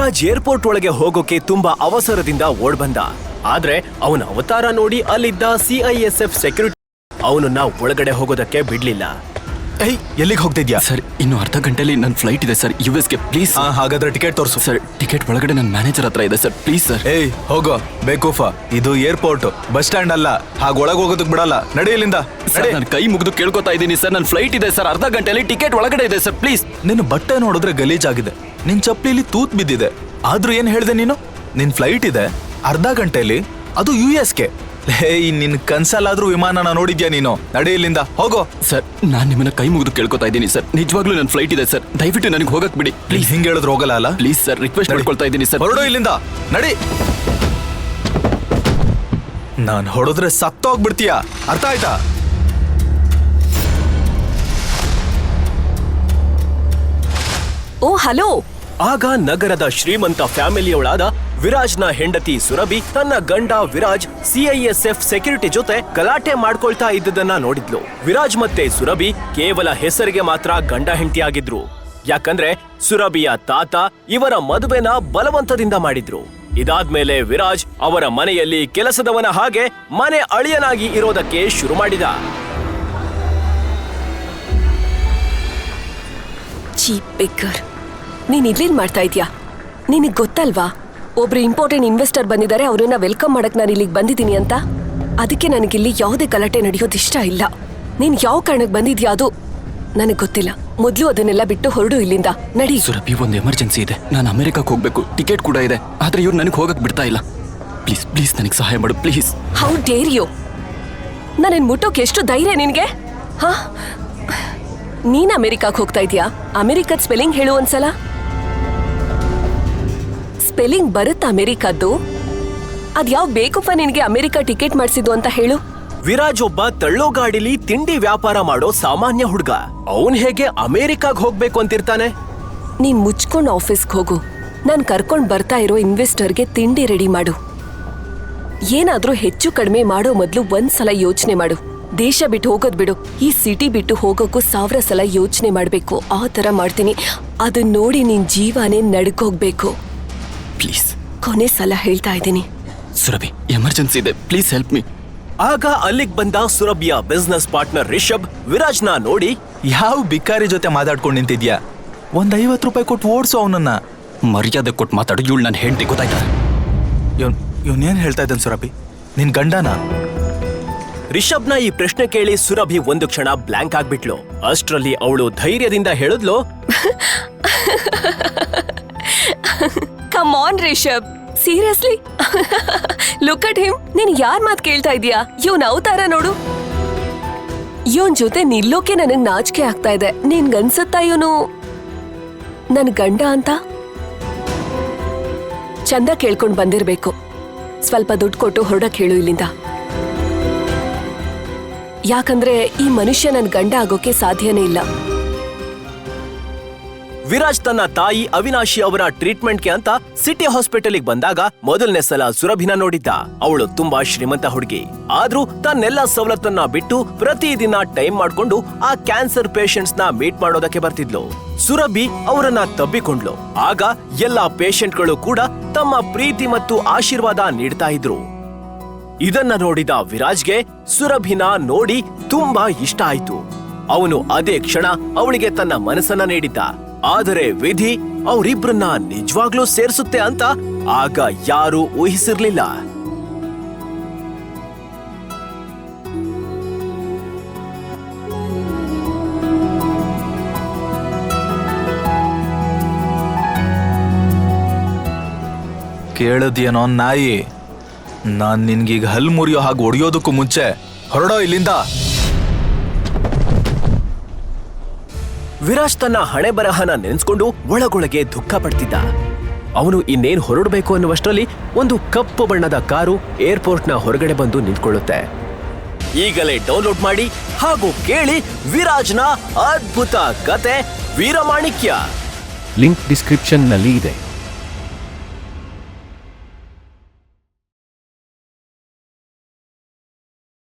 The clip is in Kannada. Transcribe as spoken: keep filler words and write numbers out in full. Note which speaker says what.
Speaker 1: ವಿರಾಜ್ ಏರ್ಪೋರ್ಟ್ ಒಳಗೆ ಹೋಗೋಕೆ ತುಂಬಾ ಅವಸರದಿಂದ ಓಡ್ ಬಂದ. ಆದ್ರೆ ಅವನ ಅವತಾರ ನೋಡಿ ಅಲ್ಲಿದ್ದ ಸಿಐಎಸ್ಎಫ್ ಸೆಕ್ಯೂರಿಟಿ ಅವನನ್ನ ಒಳಗಡೆ ಹೋಗೋದಕ್ಕೆ ಬಿಡ್ಲಿಲ್ಲ.
Speaker 2: ಏಯ್, ಎಲ್ಲಿಗೆ ಹೋಗ್ತಿದ್ಯಾ?
Speaker 3: ಸರ್, ಇನ್ನು ಅರ್ಧ ಗಂಟೆಲಿ ನನ್ನ ಫ್ಲೈಟ್ ಇದೆ ಸರ್, ಯು ಎಸ್ಗೆ. ಪ್ಲೀಸ್.
Speaker 2: ಹಾಗಾದ್ರೆ ಟಿಕೆಟ್ ತೋರಿಸು.
Speaker 3: ಸರ್, ಟಿಕೆಟ್ ಒಳಗಡೆ ನನ್ನ ಮ್ಯಾನೇಜರ್ ಹತ್ರ ಇದೆ ಸರ್, ಪ್ಲೀಸ್ ಸರ್.
Speaker 2: ಏಯ್, ಹೋಗೋ ಬೇಕೂಫ. ಇದು ಏರ್ಪೋರ್ಟ್, ಬಸ್ ಸ್ಟ್ಯಾಂಡ್ ಅಲ್ಲ. ಹಾಗ ಒಳಗೆ ಹೋಗೋದಕ್ಕೆ ಬಿಡಲ್ಲ. ನಡಿ ಇಲ್ಲಿಂದ.
Speaker 3: ನಾನು ಕೈ ಮುಗಿದು ಕೇಳ್ಕೊತಾ ಇದ್ದೀನಿ ಸರ್, ನನ್ನ ಫ್ಲೈಟ್ ಇದೆ ಸರ್, ಅರ್ಧ ಗಂಟೆಲಿ ಟಿಕೆಟ್ ಒಳಗಡೆ ಇದೆ ಸರ್, ಪ್ಲೀಸ್.
Speaker 2: ನಿನ್ನ ಬಟ್ಟೆ ನೋಡಿದ್ರೆ ಗಲೀಜಾಗಿದೆ, ನಿನ್ ಚಪ್ಲಿಲಿ ತೂತ್ ಬಿದ್ದಿದೆ. ಆದ್ರೂ ಏನ್ ಹೇಳ್ದೆ ನೀನು? ನಿನ್ ಫ್ಲೈಟ್ ಇದೆ ಅರ್ಧ ಗಂಟೆಲಿ, ಅದು ಯು ಎಸ್ಗೆ. ಏಯ್, ನಿನ್ ಕನ್ಸಲ್ಲಾದ್ರೂ ವಿಮಾನನ ನೋಡಿದ್ಯಾ ನೀನು? ನಡಿ ಇಲ್ಲಿಂದ, ಹೋಗೋ.
Speaker 3: ಸರ್, ನಾನ್ ನಿಮ್ಮನ್ನ ಕೈ ಮುಗಿದು ಕೇಳ್ಕೊತಾ ಇದ್ದೀನಿ ಸರ್, ನಿಜವಾಗ್ಲೂ ನನ್ನ ಫ್ಲೈಟ್ ಇದೆ ಸರ್, ದಯವಿಟ್ಟು ನನಗೆ ಹೋಗಕ್ ಬಿಡಿ ಪ್ಲೀಸ್.
Speaker 2: ಹಿಂಗೆ ಹೇಳಿದ್ರೆ ಹೋಗಲ್ಲ ಅಲ್ಲ?
Speaker 3: ಪ್ಲೀಸ್ ಸರ್, ರಿಕ್ವೆಸ್ಟ್ ಮಾಡ್ಕೊಳ್ತಾ ಇದ್ದೀನಿ ಸರ್.
Speaker 2: ಹೊರಡು ಇಲ್ಲಿಂದ, ನಡಿ. ನಾನ್ ಹೊಡೆದ್ರೆ ಸತ್ತೋಗ್ಬಿಡ್ತೀಯಾ, ಅರ್ಥ ಆಯ್ತಾ?
Speaker 4: Oh hello.
Speaker 1: ಆಗ ನಗರದ ಶ್ರೀಮಂತ ಫ್ಯಾಮಿಲಿಯವಳಾದ ವಿರಾಜ್ನ ಹೆಂಡತಿ ಸುರಭಿ ತನ್ನ ಗಂಡ ವಿರಾಜ್ ಸಿಐಎಸ್ಎಫ್ ಸೆಕ್ಯೂರಿಟಿ ಜೊತೆ ಗಲಾಟೆ ಮಾಡ್ಕೊಳ್ತಾ ಇದ್ದದನ್ನ ನೋಡಿದ್ಲು. ವಿರಾಜ್ ಮತ್ತೆ ಸುರಭಿ ಕೇವಲ ಹೆಸರಿಗೆ ಮಾತ್ರ ಗಂಡ ಹೆಂಡತಿಯಾಗಿದ್ರು. ಯಾಕಂದ್ರೆ ಸುರಭಿಯ ತಾತ ಇವರ ಮದುವೆನ ಬಲವಂತದಿಂದ ಮಾಡಿದ್ರು. ಇದಾದ್ಮೇಲೆ ವಿರಾಜ್ ಅವರ ಮನೆಯಲ್ಲಿ ಕೆಲಸದವನ ಹಾಗೆ ಮನೆ ಅಳಿಯನಾಗಿ ಇರೋದಕ್ಕೆ ಶುರು ಮಾಡಿದ.
Speaker 4: ಚೀಪ್ ಬೇಕರ್, ನೀನ್ ಇಲ್ಲೇನ್ ಮಾಡ್ತಾ ಇದ್ಯಾ? ನಿನಗ್ ಗೊತ್ತಲ್ವಾ ಒಬ್ರು ಇಂಪಾರ್ಟೆಂಟ್ ಇನ್ವೆಸ್ಟರ್ ಬಂದಿದ್ದಾರೆ, ಅವ್ರನ್ನ ವೆಲ್ಕಮ್ ಮಾಡಕ್ ನಾನು ಇಲ್ಲಿಗೆ ಬಂದಿದ್ದೀನಿ ಅಂತ. ಅದಕ್ಕೆ ನನಗಿಲ್ಲಿ ಯಾವುದೇ ಗಲಾಟೆ ನಡೆಯೋದು ಇಷ್ಟ ಇಲ್ಲ. ನೀನ್ ಯಾವ ಕಾರಣಕ್ಕೆ ಬಂದಿದ್ಯಾ ಅದು ನನಗ್ ಗೊತ್ತಿಲ್ಲ. ಮೊದ್ಲು ಅದನ್ನೆಲ್ಲ ಬಿಟ್ಟು ಹೊರಡು ಇಲ್ಲಿಂದ, ನಡಿ.
Speaker 3: ಸುರಭಿ, ಒಂದು ಎಮರ್ಜೆನ್ಸಿ ಇದೆ, ನಾನು ಅಮೆರಿಕಕ್ಕೆ ಹೋಗ್ಬೇಕು, ಟಿಕೆಟ್ ಕೂಡ ಇದೆ, ಆದ್ರೆ ಇವ್ರು ನನಗೆ ಹೋಗಕ್ ಬಿಡ್ತಾ ಇಲ್ಲ. ಪ್ಲೀಸ್ ಪ್ಲೀಸ್ ನನಗೆ ಸಹಾಯ ಮಾಡು ಪ್ಲೀಸ್.
Speaker 4: How dare you? ನನ್ನ ಮುಟ್ಟೋಕೆ ಎಷ್ಟು ಧೈರ್ಯ ನಿನ್ಗೆ? ಹಾ, ನೀನ್ ಅಮೆರಿಕಕ್ಕೆ ಹೋಗ್ತಾ ಇದೀಯಾ? ಅಮೆರಿಕದ ಸ್ಪೆಲ್ಲಿಂಗ್ ಹೇಳು ಒಂದ್ಸಲ. ಸ್ಪೆಲ್ಲಿಂಗ್ ಬರುತ್ತಾ ಅಮೆರಿಕದ್ದು? ಅದ್ಯಾವ್ ಬೇಕಪ್ಪ ನಿನ್ಗೆ ಅಮೆರಿಕ ಟಿಕೆಟ್ ಮಾಡಿಸಿದ್ದು ಅಂತ ಹೇಳು.
Speaker 1: ವಿರಾಜ್ ಒಬ್ಬ ತಳ್ಳೋ ಗಾಡಿಲಿ ತಿಂಡಿ ವ್ಯಾಪಾರ ಮಾಡೋ ಸಾಮಾನ್ಯ ಹುಡುಗ. ಅವನ್ ಹೇಗೆ ಅಮೆರಿಕಾಗ್ ಹೋಗ್ಬೇಕು ಅಂತಿರ್ತಾನೆ?
Speaker 4: ನೀನ್ ಮುಚ್ಕೊಂಡ್ ಆಫೀಸ್ಗೆ ಹೋಗು. ನಾನ್ ಕರ್ಕೊಂಡ್ ಬರ್ತಾ ಇರೋ ಇನ್ವೆಸ್ಟರ್ಗೆ ತಿಂಡಿ ರೆಡಿ ಮಾಡು. ಏನಾದ್ರೂ ಹೆಚ್ಚು ಕಡಿಮೆ ಮಾಡೋ ಮೊದ್ಲು ಒಂದ್ಸಲ ಯೋಚನೆ ಮಾಡು. ದೇಶ ಬಿಟ್ಟು ಹೋಗೋದ್ ಬಿಡು, ಈ ಸಿಟಿ ಬಿಟ್ಟು ಹೋಗೋಕ್ಕೂ ಸಾವಿರ ಸಲ ಯೋಚನೆ ಮಾಡ್ಬೇಕು. ಆ ತರ ಮಾಡ್ತೀನಿ. ಅದನ್ನ ನೋಡಿ ನಿನ್ ಜೀವನೇ ನಡ್ಕೋಗ್ಬೇಕು.
Speaker 3: ಪ್ಲೀಸ್,
Speaker 4: ಕೊನೆ ಸಲ ಹೇಳ್ತಾ ಇದ್ದೀನಿ.
Speaker 3: ಸುರಭಿ, ಎಮರ್ಜೆನ್ಸಿ ಇದೆ, ಪ್ಲೀಸ್ ಹೆಲ್ಪ್ ಮೀ.
Speaker 1: ಆಗ ಅಲ್ಲಿಗ್ ಬಂದ ಸುರಭಿಯ ಬಿಸ್ನೆಸ್ ಪಾರ್ಟ್ನರ್ ರಿಷಬ್ ವಿರಾಜ್ನ ನೋಡಿ,
Speaker 2: ಯಾವ ಬಿಕಾರಿ ಜೊತೆ ಮಾತಾಡ್ಕೊಂಡು ನಿಂತಿದ್ಯಾ? ಒಂದ್ ಐವತ್ತು ರೂಪಾಯಿ ಕೊಟ್ಟು ಓಡಿಸು ಅವನನ್ನ.
Speaker 3: ಮರ್ಯಾದೆ ಕೊಟ್ಟು ಮಾತಾಡು, ಇವಳು ನನ್ನ ಹೆಂಡತಿ, ಗೊತ್ತಾಯ್ತಾ?
Speaker 2: ಇವನ್ ಇವನೇನ್ ಹೇಳ್ತಾ ಇದ್ದಾನೆ ಸುರಭಿ? ನಿನ್ ಗಂಡನ?
Speaker 1: ರಿಷಬ್ನ ಈ ಪ್ರಶ್ನೆ ಕೇಳಿ ಸುರಭಿ ಒಂದು ಕ್ಷಣ ಬ್ಲಾಂಕ್ ಆಗ್ಬಿಟ್ಲು. ಅಷ್ಟ್ರಲ್ಲಿ ಅವಳು ಧೈರ್ಯದಿಂದ ಹೇಳಿದ್ಲು,
Speaker 4: come on Rishab, seriously look at him. ನೀನ್ ಯಾರ್ ಮಾತ್ ಕೇಳ್ತಾ ಇದೀಯಾ? ಇವನ್ ಅವತಾರ ನೋಡು. ಇವನ್ ಜೊತೆ ನಿಲ್ಲೋಕೆ ನನಗ್ ನಾಚಿಕೆ ಆಗ್ತಾ ಇದೆ. ನಿನ್ಗನ್ಸುತ್ತಾ ಇವನು ನನ್ ಗಂಡ ಅಂತ? ಚಂದ ಕೇಳ್ಕೊಂಡ್ ಬಂದಿರ್ಬೇಕು. ಸ್ವಲ್ಪ ದುಡ್ಡು ಕೊಟ್ಟು ಹೊರಡಕ್ ಹೇಳು ಇಲ್ಲಿಂದ. ಯಾಕಂದ್ರೆ ಈ ಮನುಷ್ಯ ನನ್ ಗಂಡ ಆಗೋಕೆ ಸಾಧ್ಯನೇ ಇಲ್ಲ.
Speaker 1: ವಿರಾಜ್ ತನ್ನ ತಾಯಿ ಅವಿನಾಶಿ ಅವರ ಟ್ರೀಟ್ಮೆಂಟ್ಗೆ ಅಂತ ಸಿಟಿ ಹಾಸ್ಪಿಟಲ್ಗೆ ಬಂದಾಗ ಮೊದಲನೇ ಸಲ ಸುರಭಿನ ನೋಡಿದ್ದ. ಅವಳು ತುಂಬಾ ಶ್ರೀಮಂತ ಹುಡುಗಿ. ಆದ್ರೂ ತನ್ನೆಲ್ಲ ಸವಲತ್ತನ್ನ ಬಿಟ್ಟು ಪ್ರತಿದಿನ ಟೈಮ್ ಮಾಡ್ಕೊಂಡು ಆ ಕ್ಯಾನ್ಸರ್ ಪೇಷಂಟ್ಸ್ ನ ಮೀಟ್ ಮಾಡೋದಕ್ಕೆ ಬರ್ತಿದ್ಲು. ಸುರಭಿ ಅವರನ್ನ ತಬ್ಬಿಕೊಂಡ್ಲು. ಆಗ ಎಲ್ಲಾ ಪೇಷಂಟ್ಗಳು ಕೂಡ ತಮ್ಮ ಪ್ರೀತಿ ಮತ್ತು ಆಶೀರ್ವಾದ ನೀಡ್ತಾ ಇದ್ರು. ಇದನ್ನ ನೋಡಿದ ವಿರಾಜ್ಗೆ ಸುರಭಿನ ನೋಡಿ ತುಂಬಾ ಇಷ್ಟ ಆಯ್ತು. ಅವನು ಅದೇ ಕ್ಷಣ ಅವಳಿಗೆ ತನ್ನ ಮನಸ್ಸನ್ನ ನೀಡಿದ್ದ. ಆದರೆ ವಿಧಿ ಅವರಿಬ್ರನ್ನ ನಿಜವಾಗ್ಲೂ ಸೇರಿಸುತ್ತೆ ಅಂತ ಆಗ ಯಾರೂ ಊಹಿಸಿರ್ಲಿಲ್ಲ.
Speaker 2: ಕೇಳದ್ಯೇನೋ ನಾಯಿ? ನಾನ್ ನಿನ್ಗೀಗ ಹಲ್ ಮುರಿಯೋ ಹಾಗೆ ಹೊಡೆಯೋದಕ್ಕೂ ಮುಂಚೆ ಹೊರಡೋ ಇಲ್ಲಿಂದ.
Speaker 1: ವಿರಾಜ್ ತನ್ನ ಹಣೆ ಬರಹನ ನೆನೆಸ್ಕೊಂಡು ಒಳಗೊಳಗೆ ದುಃಖ ಪಡ್ತಿದ್ದ. ಅವನು ಇನ್ನೇನ್ ಹೊರಡಬೇಕು ಅನ್ನುವಷ್ಟರಲ್ಲಿ ಒಂದು ಕಪ್ಪು ಬಣ್ಣದ ಕಾರು ಏರ್ಪೋರ್ಟ್ನ ಹೊರಗಡೆ ಬಂದು ನಿಂತ್ಕೊಳ್ಳುತ್ತೆ. ಈಗಲೇ ಡೌನ್ಲೋಡ್ ಮಾಡಿ ಹಾಗೂ ಕೇಳಿ ವಿರಾಜ್ನ ಅದ್ಭುತ ಕತೆ ವೀರಮಾಣಿಕ್ಯ.
Speaker 5: ಲಿಂಕ್ ಡಿಸ್ಕ್ರಿಪ್ಷನ್ನಲ್ಲಿ ಇದೆ.